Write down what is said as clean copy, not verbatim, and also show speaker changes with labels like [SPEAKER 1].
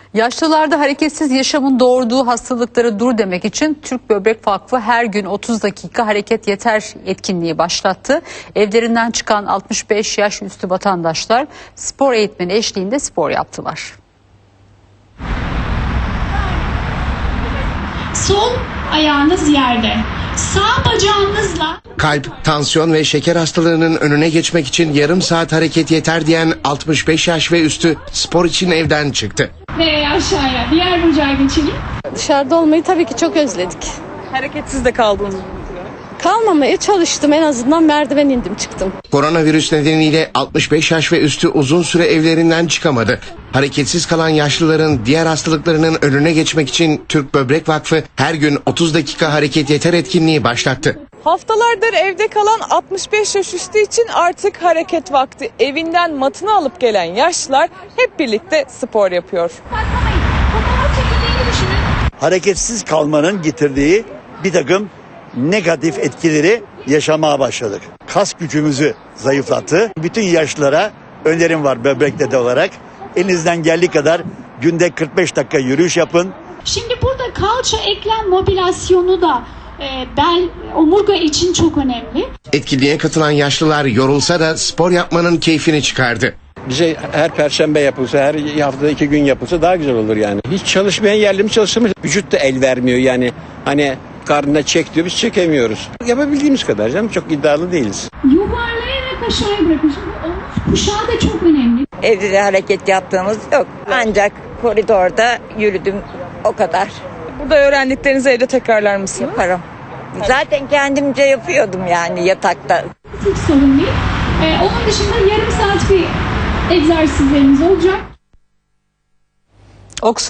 [SPEAKER 1] Yaşlılarda hareketsiz yaşamın doğurduğu hastalıklara dur demek için Türk Böbrek Vakfı her gün 30 dakika hareket yeter etkinliği başlattı. Evlerinden çıkan 65 yaş üstü vatandaşlar spor eğitmeni eşliğinde spor yaptılar.
[SPEAKER 2] Sol ayağınız yerde. Sağ bacağınızla
[SPEAKER 3] Kalp, tansiyon ve şeker hastalığının önüne geçmek için yarım saat hareket yeter diyen 65 yaş ve üstü spor için evden çıktı.
[SPEAKER 2] ve aşağıya. Diğer bacağı geçelim.
[SPEAKER 4] Dışarıda olmayı tabii ki çok özledik.
[SPEAKER 5] Hareketsiz de kaldınız mı?
[SPEAKER 4] Kalmamaya çalıştım, en azından merdiven indim çıktım.
[SPEAKER 3] Koronavirüs nedeniyle 65 yaş ve üstü uzun süre evlerinden çıkamadı. Hareketsiz kalan yaşlıların diğer hastalıklarının önüne geçmek için Türk Böbrek Vakfı her gün 30 dakika hareket yeter etkinliği başlattı.
[SPEAKER 5] Haftalardır evde kalan 65 yaş üstü için artık hareket vakti. Evinden matını alıp gelen yaşlılar hep birlikte spor yapıyor.
[SPEAKER 2] Fotoğraf çekildiğini düşünün.
[SPEAKER 6] Hareketsiz kalmanın getirdiği bir takım negatif etkileri yaşamaya başladık. Kas gücümüzü zayıflattı. Bütün yaşlılara önerim var böbrek dede olarak. Elinizden geldiği kadar günde 45 dakika yürüyüş yapın.
[SPEAKER 2] Şimdi burada kalça eklem mobilasyonu da bel, omurga için çok önemli.
[SPEAKER 3] Etkinliğe katılan yaşlılar yorulsa da spor yapmanın keyfini çıkardı.
[SPEAKER 7] Bize her perşembe yapılsa, her haftada 2 gün yapılsa daha güzel olur yani. Hiç çalışmayan yerli mi çalıştığımız vücut da el vermiyor yani. Hani karnına çek diyor, biz çekemiyoruz. Yapabildiğimiz kadar canım, çok iddialı değiliz.
[SPEAKER 2] Yuvarlayarak aşağıya bırakın. Şimdi omuz kuşağı da çok önemli.
[SPEAKER 8] Evde de hareket yaptığımız yok. Ancak koridorda yürüdüm, o kadar
[SPEAKER 5] Burada öğrendiklerinizi evde tekrarlar mısınız?
[SPEAKER 8] yaparım. Zaten kendimce yapıyordum yani yatakta.
[SPEAKER 2] Hiç sorun değil. Onun dışında yarım saat bir egzersizlerimiz olacak.